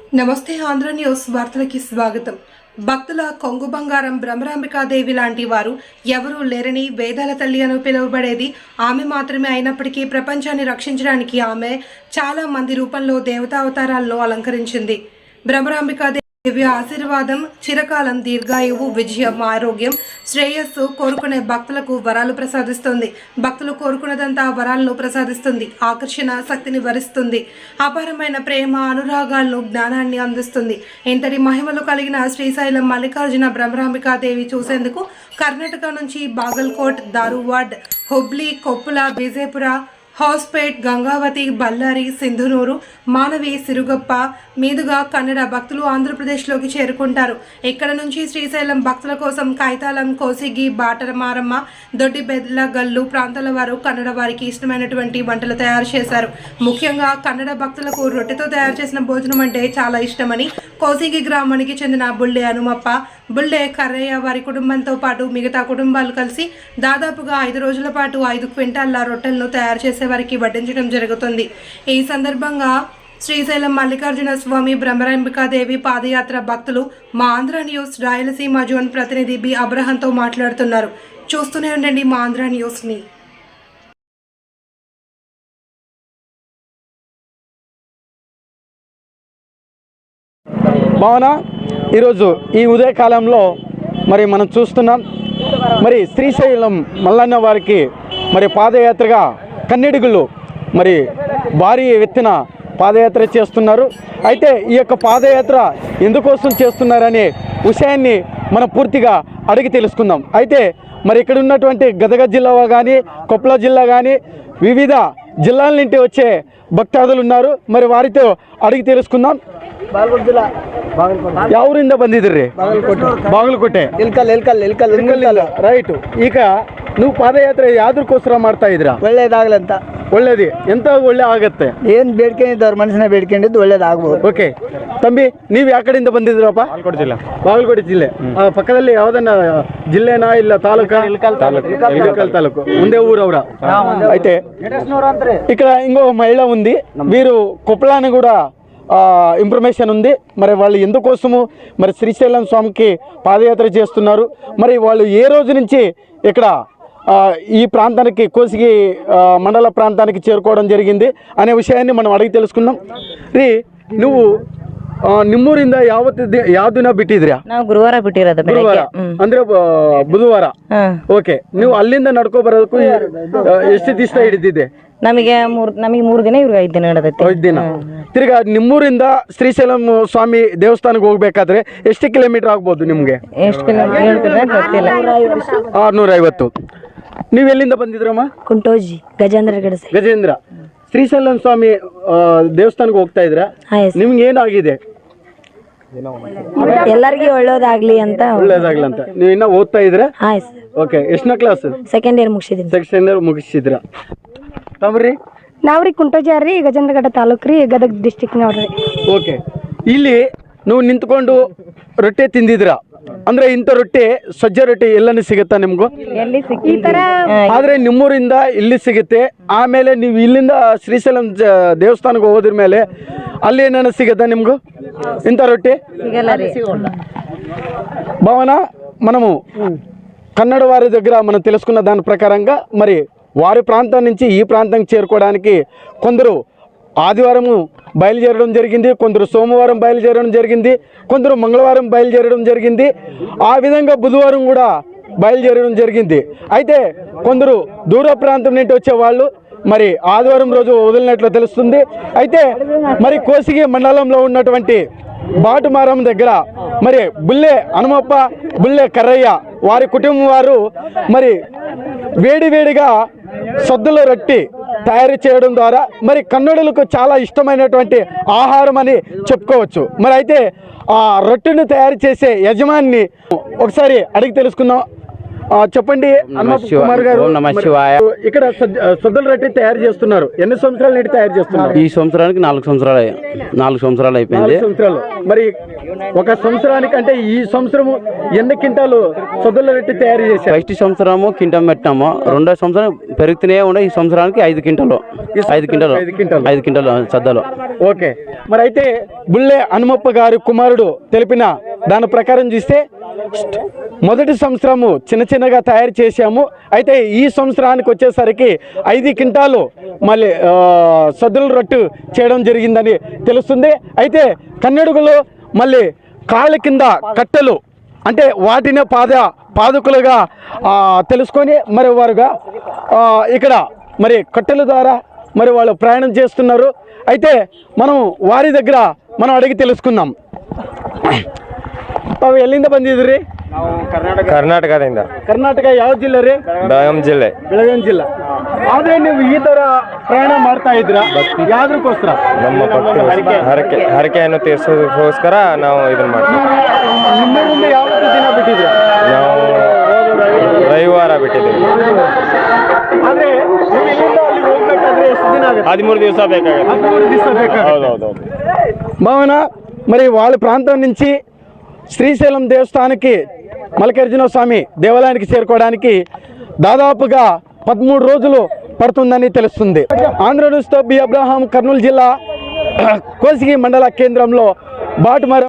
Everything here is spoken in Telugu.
నమస్తే ఆంధ్ర న్యూస్ వార్తలకి స్వాగతం. భక్తుల కొంగు బంగారం భ్రమరాంబికాదేవి లాంటి వారు ఎవరూ లేరని, వేదాల తల్లి అని పిలువబడేది ఆమె మాత్రమే అయినప్పటికీ ప్రపంచాన్ని రక్షించడానికి ఆమె చాలా మంది రూపంలో దేవతావతారాలను అలంకరించింది. భ్రమరాంబికాదేవి ఆశీర్వాదం చిరకాలం, దీర్ఘాయువు, విజయం, ఆరోగ్యం, శ్రేయస్సు కోరుకునే భక్తులకు వరాలు ప్రసాదిస్తుంది. భక్తులు కోరుకున్నదంతా వరాలను ప్రసాదిస్తుంది. ఆకర్షణ శక్తిని వరిస్తుంది. అపారమైన ప్రేమ, అనురాగాలను, జ్ఞానాన్ని అందిస్తుంది. ఇంతటి మహిమలు కలిగిన శ్రీశైలం మల్లికార్జున భ్రమరాంబికాదేవి చూసేందుకు కర్ణాటక నుంచి బాగల్కోట్, ధారువాడ్, హుబ్లీ, కొప్పుల, విజయపుర, హౌస్పేట్, గంగావతి, బళ్ళారి, సింధునూరు, మానవి, సిరుగప్ప మీదుగా కన్నడ భక్తులు ఆంధ్రప్రదేశ్లోకి చేరుకుంటారు. ఇక్కడ నుంచి శ్రీశైలం భక్తుల కోసం కైతాలం, కోసిగి, బాటమారమ్మ, దొడ్డిబెద్ల గల్లు ప్రాంతాల వారు కన్నడ వారికి ఇష్టమైనటువంటి వంటలు తయారు చేశారు. ముఖ్యంగా కన్నడ భక్తులకు రొట్టెతో తయారు చేసిన భోజనం అంటే చాలా ఇష్టమని కోసిగి గ్రామానికి చెందిన బుళ్ళే హనుమప్ప, బుళ్ళే కర్రయ్య వారి కుటుంబంతో పాటు మిగతా కుటుంబాలు కలిసి దాదాపుగా 5 రోజుల పాటు 5 క్వింటాళ్ల రొట్టెలను తయారు చేసే వారికి వడ్డించడం జరుగుతుంది. ఈ సందర్భంగా శ్రీశైలం మల్లికార్జున స్వామి భ్రమరాంబికాదేవి పాదయాత్ర భక్తులు మా ఆంధ్ర న్యూస్ రాయలసీమ జోన్ ప్రతినిధి బి అబ్రహంతో మాట్లాడుతున్నారు. చూస్తూనే ఉండండి మా ఆంధ్ర న్యూస్ని. భావన ఈరోజు ఈ ఉదయకాలంలో మరి మనం చూస్తున్నాం, మరి శ్రీశైలం మల్లన్న వారికి మరి పాదయాత్రగా కన్నడిగుళ్ళు మరి భారీ ఎత్తున పాదయాత్ర చేస్తున్నారు. అయితే ఈ యొక్క పాదయాత్ర ఎందుకోసం చేస్తున్నారనే విషయాన్ని మనం పూర్తిగా అడిగి తెలుసుకుందాం. అయితే మరి ఇక్కడ ఉన్నటువంటి గదగ జిల్లా కానీ, కొప్పల జిల్లా కానీ, వివిధ జిల్లాల నుండి వచ్చే భక్తాదులు ఉన్నారు. మరి వారితో ಅಡಿಗೆ ತಿಳಿಸ್ಕೊಂಡಾಂ. ಬಾಗಲಕೋಟೆ ಜಿಲ್ಲಾ ಯಾವೂರಿಂದ ಬಂದಿದ್ರಿ? ಬಾಗಲಕೋಟೆ. ಇಲ್ಕಲ್ ರೈಟ್. ಈಗ ನೀವು ಪಾದಯಾತ್ರೆ ಯಾವ್ದಕ್ಕೋಸ್ಕರ ಮಾಡ್ತಾ ಇದ್ದೀರಾ? ಒಳ್ಳೇದಾಗ್ಲಂತ. ಒಳ್ಳೇದು ಎಂತ ಒಳ್ಳೆ ಆಗತ್ತೆ? ಏನು ಬೇಡ್ಕೊಂಡಿದ್ದು ಅವ್ರ ಮನಸ್ಸಿನ ಬೇಡ್ಕೊಂಡಿದ್ದು ಒಳ್ಳೇದಾಗ್ಬೋದು. ಓಕೆ ತಂಬಿ, ನೀವು ಯಾವ ಕಡೆಯಿಂದ ಬಂದಿದ್ರಪ್ಪ? ಬಾಗಲಕೋಟೆ ಜಿಲ್ಲೆ. ಪಕ್ಕದಲ್ಲಿ ಯಾವ್ದನ್ನ ಜಿಲ್ಲೆನಾ ಇಲ್ಲ ತಾಲೂಕಾ? ఇల్కల్ తాలూకు. ఉందే ఊరవరా అయితే ఇక్కడ ఇంకో మహిళ ఉంది, వీరు కొప్పలాని కూడా ఇన్ఫర్మేషన్ ఉంది. మరి వాళ్ళు ఎందుకోసము మరి శ్రీశైలం స్వామికి పాదయాత్ర చేస్తున్నారు, మరి వాళ్ళు ఏ రోజు నుంచి ఇక్కడ ఈ ప్రాంతానికి కోసిగి మండల ప్రాంతానికి చేరుకోవడం జరిగింది అనే విషయాన్ని మనం అడిగి తెలుసుకుందాం. ರೀ ನೀವು ನಿಮ್ಮೂರಿಂದ ಯಾವ ದಿನ ಬಿಟ್ಟಿದ್ರಾ? ನಾವು ಗುರುವಾರ ಬಿಟ್ಟಿರೋದು. ಗುರುವಾರ ಅಂದ್ರೆ ಬುಧವಾರ. ಓಕೆ, ನೀವು ಅಲ್ಲಿಂದ ನಡ್ಕೊ ಬರೋದಕ್ಕೂ ಎಷ್ಟು ದಿವಸ ಹಿಡಿದಿದೆ? ನಮಗೆ 3 ದಿನ, ಇವ್ರಿಗೆ 5 ದಿನ ಹಿಡಿದೈತಿ. 5 ದಿನ. ತಿರ್ಗಾ ನಿಮ್ಮೂರಿಂದ ಶ್ರೀಶೈಲಂ ಸ್ವಾಮಿ ದೇವಸ್ಥಾನಕ್ಕೆ ಹೋಗ್ಬೇಕಾದ್ರೆ ಎಷ್ಟು ಕಿಲೋಮೀಟರ್ ಆಗ್ಬೋದು ನಿಮ್ಗೆ? ಎಷ್ಟು ಕಿಲೋಮೀಟರ್ ಗೊತ್ತಿಲ್ಲ. 650. ನೀವು ಎಲ್ಲಿಂದ ಬಂದಿದ್ರಮ್ಮ? ಕುಂಟೋಜಿ, ಗಜೇಂದ್ರ. ಶ್ರೀಶೈಲಂ ಸ್ವಾಮಿ ದೇವಸ್ಥಾನಕ್ಕೆ ಹೋಗ್ತಾ ಇದ್ರ? ನಿಮ್ಗೆ ಏನಾಗಿದೆ? ಎಲ್ಲರಿಗೂ ಒಳ್ಳೇದಾಗ್ಲಿ ಅಂತ. ನೀವು ಇನ್ನ ಓದ್ತಾ ಇದ್ರ? ಆಯ್ತು. ಓಕೆ, ಎಷ್ಟನೇ ಕ್ಲಾಸ್? ಸೆಕೆಂಡ್ ಇಯರ್ ಮುಗಿಸಿದ್ದೀನಿ. ಸೆಕೆಂಡ್ ಇಯರ್ ಮುಗಿಸಿದ್ರ. ತಮ್ರಿ? ನಾವ್ರಿ ಕುಂಟೋಜಾರಿ, ಗಜೇಂದ್ರಗಡ ತಾಲೂಕು ರೀ, ಗದಗ ಡಿಸ್ಟಿಕ್ ನೋಡ್ರಿ. ಓಕೆ, ಇಲ್ಲಿ ನೀವು ನಿಂತ್ಕೊಂಡು ರೊಟ್ಟೆ ತಿಂದಿದ್ರ ಅಂದ್ರೆ ಇಂಥ ರೊಟ್ಟಿ, ಸಜ್ಜೆ ರೊಟ್ಟಿ ಎಲ್ಲನೂ ಸಿಗುತ್ತಾ ನಿಮ್ಗೂ? ಈ ತರ ಆದ್ರೆ ನಿಮ್ಮೂರಿಂದ ಇಲ್ಲಿ ಸಿಗುತ್ತೆ. ಆಮೇಲೆ ನೀವು ಇಲ್ಲಿಂದ ಶ್ರೀಶೈಲಂ ದೇವಸ್ಥಾನಕ್ಕೆ ಹೋದ್ರ ಮೇಲೆ ಅಲ್ಲಿ ಏನೇನು ಸಿಗುತ್ತಾ నిమ్గు ఇంత రొట్టె? భావన, మనము కన్నడ వారి దగ్గర మనం తెలుసుకున్న దాని ప్రకారంగా మరి వారి ప్రాంతం నుంచి ఈ ప్రాంతానికి చేరుకోవడానికి కొందరు ఆదివారము బయలుదేరడం జరిగింది, కొందరు సోమవారం బయలుదేరడం జరిగింది, కొందరు మంగళవారం బయలుదేరడం జరిగింది, ఆ విధంగా బుధవారం కూడా బయలుదేరడం జరిగింది. అయితే కొందరు దూర ప్రాంతం నుండి వచ్చేవాళ్ళు మరి ఆదివారం రోజు వదిలినట్లు తెలుస్తుంది. అయితే మరి కోసిగి మండలంలో ఉన్నటువంటి బాటమారం దగ్గర మరి బుల్లే హనుమప్ప, బుల్లే కర్రయ్య వారి కుటుంబం వారు మరి వేడివేడిగా సద్దుల రొట్టి తయారు చేయడం ద్వారా మరి కన్నడులకు చాలా ఇష్టమైనటువంటి ఆహారం అని చెప్పుకోవచ్చు. మరి అయితే ఆ రొట్టెను తయారు చేసే యజమాని ఒకసారి అడిగి తెలుసుకుందాం. చెప్పండి హనుమప్ప శివాయ. కుమార్ గారు. ఓం నమః శివాయ. ఇక్కడ సొద్దల రొట్టె తయారు చేస్తున్నారు. ఎన్ని సంవత్సరాల నుండి తయారు చేస్తున్నారు? ఈ సంవత్సరానికి 4 సంవత్సరాలు అయిపోయింది. 4 సంవత్సరాలు. మరి ఒక సంవత్సరానికి అంటే ఈ సంవత్సరం ఎన్ని క్వింటాలు సొద్దల రొట్టె తయారు చేశారు? ఫస్ట్ సంవత్సరము కింటం పెట్టినాము, రెండో సంవత్సరం పెరుగుతూనే ఉండే. ఈ సంవత్సరానికి 5 క్వింటాలు సద్దలు. ఓకే. మరి అయితే బుల్లె హనుమప్ప గారి కుమారుడు తెలిపిన దాని ప్రకారం చూస్తే మొదటి సంవత్సరము చిన్నగా తయారు చేశాము. అయితే ఈ సంవత్సరానికి వచ్చేసరికి 5 క్వింటాలు మళ్ళీ సద్దుల రొట్టె చేయడం జరిగిందని తెలుస్తుంది. అయితే కన్నడుగులో మళ్ళీ కాళ్ళ కింద కట్టెలు అంటే వాటినే పాదకులుగా తెలుసుకొని మరి వారుగా ఇక్కడ మరి కట్టెల ద్వారా మరి వాళ్ళు ప్రయాణం చేస్తున్నారు. అయితే మనం ವಾರಿ దగ్గర మనం ಅಡಿಗೆ తెలుసుకుందాం. ತಾವು ಎಲ್ಲಿಂದ ಬಂದಿದ್ರಿ? ಕರ್ನಾಟಕದಿಂದ. ಕರ್ನಾಟಕ ಯಾವ ಜಿಲ್ಲೆ ರೀ? ಬೆಳಗಾಂ ಜಿಲ್ಲೆ. ಬೆಳಗಾಂ ಜಿಲ್ಲೆ. ಆದ್ರೆ ನೀವು ಈ ತರ ಪ್ರಯಾಣ ಮಾಡ್ತಾ ಇದ್ರ ಯಾವ್ದಕ್ಕೋಸ್ಕರ? ನಮ್ಮ ಹರಕೆಯನ್ನು ತೀರಿಸೋದಕ್ಕೋಸ್ಕರ ನಾವು ಇದನ್ನ ಮಾಡ್ತೀವಿ. ನಿಮ್ಮೂರಿಂದ ಯಾವತ್ತು ದಿನ ಬಿಟ್ಟಿದ್ರಿ? ನಾವು ರವಿವಾರ ಬಿಟ್ಟಿದ್ದೀವಿ. ಆದ್ರೆ ನೀವು ಇಲ್ಲಿಂದ ಅಲ್ಲಿಗೆ ಹೋಗ್ಬೇಕಾದ್ರೆ ಎಷ್ಟು ದಿನ ಆಗುತ್ತೆ? 13 ದಿವಸ ಬೇಕಾಗುತ್ತೆ. 13 ದಿವಸ ಬೇಕಾಗುತ್ತೆ. ಹೌದೌದು. భావన మరి వాళ్ళ ప్రాంతం నుంచి శ్రీశైలం దేవస్థానానికి మల్లికార్జున స్వామి దేవాలయానికి చేరుకోవడానికి దాదాపుగా 13 రోజులు పడుతుందని తెలుస్తుంది. ఆంధ్ర న్యూస్తో బి అబ్రహాం, కర్నూలు జిల్లా కోసిగి మండల కేంద్రంలో బాటుమర